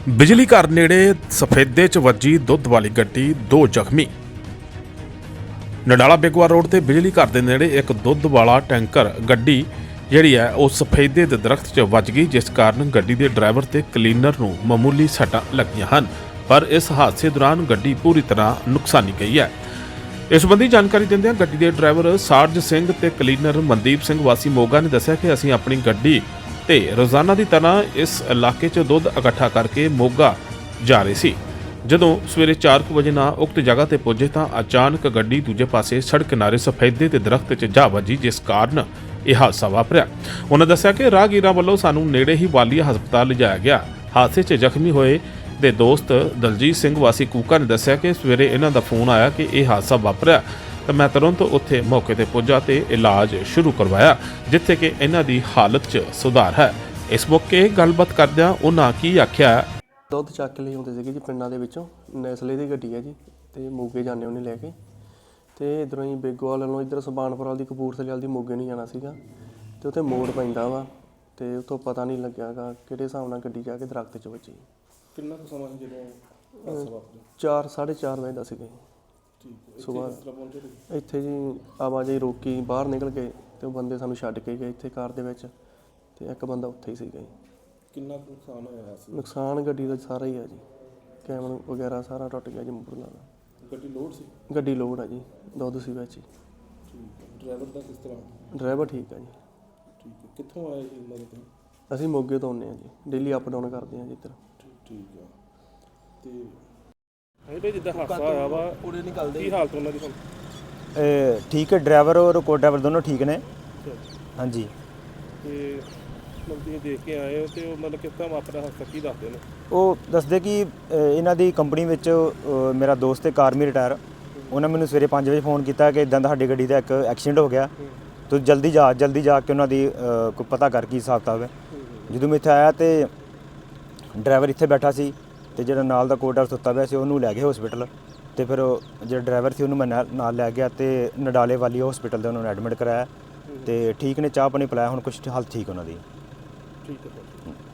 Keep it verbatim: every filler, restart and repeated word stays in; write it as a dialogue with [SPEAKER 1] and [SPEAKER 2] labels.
[SPEAKER 1] ਬਿਜਲੀ ਘਰ ਨੇੜੇ ਸਫੈਦੇ 'ਚ ਵੱਜੀ ਦੁੱਧ ਵਾਲੀ ਗੱਡੀ, ਦੋ ਜ਼ਖਮੀ। ਨਡਾਲਾ ਬੇਗਵਾ ਰੋਡ ਤੇ ਬਿਜਲੀ ਘਰ ਦੇ ਨੇੜੇ ਇੱਕ ਦੁੱਧ ਵਾਲਾ ਟੈਂਕਰ ਗੱਡੀ ਜਿਹੜੀ ਹੈ ਉਹ ਸਫੈਦੇ ਦੇ ਦਰਖਤ 'ਚ ਵੱਜ ਗਈ, ਜਿਸ ਕਾਰਨ ਗੱਡੀ ਦੇ ਡਰਾਈਵਰ ਤੇ ਕਲੀਨਰ ਨੂੰ ਮਾਮੂਲੀ ਸੱਟਾਂ ਲੱਗੀਆਂ ਹਨ। ਪਰ ਇਸ ਹਾਦਸੇ ਦੌਰਾਨ ਗੱਡੀ ਪੂਰੀ ਤਰ੍ਹਾਂ ਨੁਕਸਾਨੀ ਗਈ ਹੈ। ਇਸ ਸੰਬੰਧੀ ਜਾਣਕਾਰੀ ਦਿੰਦਿਆਂ ਗੱਡੀ ਦੇ ਡਰਾਈਵਰ ਸਾਰਜ ਸਿੰਘ ਤੇ ਕਲੀਨਰ ਮਨਦੀਪ ਸਿੰਘ ਵਾਸੀ ਮੋਗਾ ਨੇ ਦੱਸਿਆ ਕਿ ਅਸੀਂ ਆਪਣੀ ਗੱਡੀ ਤੇ ਰੋਜ਼ਾਨਾ ਦੀ ਤਰ੍ਹਾਂ ਇਸ ਇਲਾਕੇ 'ਚ ਦੁੱਧ ਇਕੱਠਾ ਕਰਕੇ ਮੋਗਾ ਜਾ ਰਹੇ ਸੀ। ਜਦੋਂ ਸਵੇਰੇ ਚਾਰ ਵਜੇ ਨਾਲ ਉਕਤ ਜਗ੍ਹਾ ਤੇ ਪਹੁੰਚੇ ਤਾਂ ਅਚਾਨਕ ਗੱਡੀ ਦੂਜੇ ਪਾਸੇ ਸੜਕ ਕਿਨਾਰੇ ਸਫੈਦੇ ਤੇ ਦਰਖਤ 'ਚ ਜਾ ਵੱਜੀ, ਜਿਸ ਕਾਰਨ ਇਹ ਹਾਦਸਾ ਵਾਪਰਿਆ। ਉਹਨਾਂ ਦੱਸਿਆ ਕਿ ਰਾਹਗੀਰਾਂ ਵੱਲੋਂ ਸਾਨੂੰ ਨੇੜੇ ਹੀ ਵਾਲੀਆ ਹਸਪਤਾਲ ਲਿਜਾਇਆ ਗਿਆ। ਹਾਦਸੇ 'ਚ ਜ਼ਖਮੀ ਹੋਏ ਦੇ ਦੋਸਤ ਦਲਜੀਤ ਸਿੰਘ ਵਾਸੀ ਕੂਕਾ ਨੇ ਦੱਸਿਆ ਕਿ ਸਵੇਰੇ ਇਹਨਾਂ ਦਾ ਫੋਨ ਆਇਆ ਕਿ ਇਹ ਹਾਦਸਾ ਵਾਪਰਿਆ ਤਾਂ ਮੈਂ ਤੁਰੰਤ ਉੱਥੇ ਮੌਕੇ ਤੇ ਪੁੱਜਾ ਤੇ ਇਲਾਜ ਸ਼ੁਰੂ ਕਰਵਾਇਆ, ਜਿੱਥੇ ਕਿ ਇਹਨਾਂ ਦੀ ਹਾਲਤ 'ਚ ਸੁਧਾਰ ਹੈ। ਇਸ ਮੌਕੇ ਗੱਲਬਾਤ ਕਰਦਿਆਂ ਉਹਨਾਂ ਕੀ ਆਖਿਆ।
[SPEAKER 2] ਦੁੱਧ ਚੱਕ ਲਈ ਹੁੰਦੇ ਸੀਗੇ ਜੀ ਪਿੰਡਾਂ ਦੇ ਵਿੱਚੋਂ, ਨੈਸਲੇ ਦੀ ਗੱਡੀ ਹੈ ਜੀ ਤੇ ਮੋਗੇ ਜਾਂਦੇ ਉਹਨੇ ਲੈ ਕੇ, ਤੇ ਇਧਰੋਂ ਹੀ ਬੇਗੋਵਾਲ ਵੱਲੋਂ ਇੱਧਰ ਸੁਬਾਨਪੁਰ ਵਾਲੀ ਦੀ ਕਪੂਰਥਲੇ ਵਾਲੀ ਦੀ ਮੋਗੇ ਨਹੀਂ ਜਾਣਾ ਸੀਗਾ, ਤੇ ਉੱਥੇ ਮੋੜ ਪੈਂਦਾ ਵਾ ਤੇ ਉੱਥੋਂ ਪਤਾ ਨਹੀਂ ਲੱਗਿਆਗਾ ਕਿਹੜੇ ਹਿਸਾਬ ਨਾਲ ਗੱਡੀ ਜਾ ਕੇ ਦਰਖਤ 'ਚ ਵੱਜੀ।
[SPEAKER 3] ਕਿੰਨਾ ਕੁ ਸਮਾਂ ਜਦੋਂ
[SPEAKER 2] ਚਾਰ ਸਾਢੇ ਚਾਰ ਵਜੇ ਦਾ ਸੀਗਾ ਜੀ ਸੁਬਾਹ। ਇੱਥੇ ਜੀ ਆਵਾਜਾਈ ਰੋਕੀ, ਬਾਹਰ ਨਿਕਲ ਗਏ ਤੇ ਉਹ ਬੰਦੇ ਸਾਨੂੰ ਛੱਡ ਕੇ ਗਏ ਇੱਥੇ ਕਾਰ ਦੇ ਵਿੱਚ, ਤੇ ਇੱਕ ਬੰਦਾ ਉੱਥੇ ਹੀ ਸੀਗਾ ਜੀ।
[SPEAKER 3] ਕਿੰਨਾ ਕੁ ਨੁਕਸਾਨ ਹੋਇਆ ਸੀ?
[SPEAKER 2] ਨੁਕਸਾਨ ਗੱਡੀ ਦਾ ਸਾਰਾ ਹੀ ਹੈ ਜੀ, ਕੈਮਰਾ ਵਗੈਰਾ ਸਾਰਾ ਟੁੱਟ ਗਿਆ ਜੀ ਮੁਰਲਾ ਦਾ।
[SPEAKER 3] ਗੱਡੀ ਲੋਡ ਸੀ?
[SPEAKER 2] ਗੱਡੀ ਲੋਡ ਆ ਜੀ, ਦੁੱਧ ਸੀ ਵਿੱਚ ਹੀ।
[SPEAKER 3] ਠੀਕ ਹੈ। ਡਰਾਈਵਰ ਦਾ ਕਿਸ ਤਰ੍ਹਾਂ?
[SPEAKER 2] ਡਰਾਈਵਰ ਠੀਕ ਆ ਜੀ।
[SPEAKER 3] ਠੀਕ ਹੈ। ਕਿੱਥੋਂ ਆਏ ਜੀ ਇਹਨਾਂ ਦੇ?
[SPEAKER 2] ਅਸੀਂ ਮੋਗੇ ਤੋਂ ਆਉਂਦੇ ਹਾਂ ਜੀ, ਡੇਲੀ ਅਪ ਡਾਊਨ ਕਰਦੇ ਹਾਂ ਜੀ ਇੱਧਰ।
[SPEAKER 3] ਠੀਕ ਹੈ। ਤੇ ਇਹ ਜਿੱਦਾਂ ਹਾਦਸਾ ਹੋਇਆ ਵਾ
[SPEAKER 2] ਪੂਰੇ ਨਿਕਲਦੇ
[SPEAKER 3] ਕੀ ਹਾਲਤ ਉਹਨਾਂ ਦੀ ਹੁਣ?
[SPEAKER 4] ਠੀਕ ਹੈ, ਡਰਾਈਵਰ ਔਰ ਕੋ ਡਰਾਈਵਰ ਦੋਨੋਂ ਠੀਕ ਨੇ। ਹਾਂਜੀ।
[SPEAKER 3] ਤੇ ਮਤਲਬ ਤੁਸੀਂ ਦੇਖ ਕੇ ਆਏ ਹੋ ਤੇ ਉਹ ਮਤਲਬ ਕਿਸ ਤਰ੍ਹਾਂ ਵਾਪਰਿਆ ਹਾਦਸਾ, ਕੀ ਦੱਸਦੇ ਨੇ?
[SPEAKER 4] ਉਹ ਦੱਸਦੇ ਕਿ ਅ, ਇਹਨਾਂ ਦੀ ਕੰਪਨੀ ਵਿੱਚ ਅ, ਮੇਰਾ ਦੋਸਤ ਹੈ ਕਾਰਮੀ ਰਿਟਾਇਰ, ਉਹਨਾਂ ਮੈਨੂੰ ਸਵੇਰੇ ਪੰਜ ਵਜੇ ਫੋਨ ਕੀਤਾ ਕਿ ਇਦਾਂ ਦਾ ਸਾਡੀ ਗੱਡੀ ਦਾ ਇੱਕ ਐਕਸੀਡੈਂਟ ਹੋ ਗਿਆ, ਤੂੰ ਜਲਦੀ ਜਾ ਜਲਦੀ ਜਾ ਕੇ ਉਹਨਾਂ ਦੀ ਅ, ਕੋਈ ਪਤਾ ਕਰ ਕੀ ਹਿਸਾਬ ਕਿਤਾਬ ਹੈ। ਜਦੋਂ ਮੈਂ ਇੱਥੇ ਆਇਆ ਤੇ ਡਰਾਈਵਰ ਇੱਥੇ ਬੈਠਾ ਸੀ ਤੇ ਜਿਹੜਾ ਨਾਲ ਦਾ ਕੋ ਡਰਾਈਵਰ ਸੁੱਤਾ ਪਿਆ ਸੀ ਉਹਨੂੰ ਲੈ ਗਏ ਹਸਪੀਟਲ, ਤੇ ਫਿਰ ਜਿਹੜਾ ਡਰਾਈਵਰ ਸੀ ਉਹਨੂੰ ਮੈਂ ਨਾਲ ਨਾਲ ਲੈ ਗਿਆ ਤੇ ਨਡਾਲੇ ਵਾਲੀ ਹਸਪੀਟਲ ਦੇ ਉਹਨਾਂ ਨੂੰ ਐਡਮਿਟ ਕਰਾਇਆ ਤੇ ਠੀਕ ਨੇ, ਚਾਹ ਪਾਣੀ ਪਿਲਾਇਆ, ਹੁਣ ਕੁਛ ਹਾਲਤ ਠੀਕ ਉਹਨਾਂ ਦੀ।
[SPEAKER 3] ਠੀਕ ਹੈ।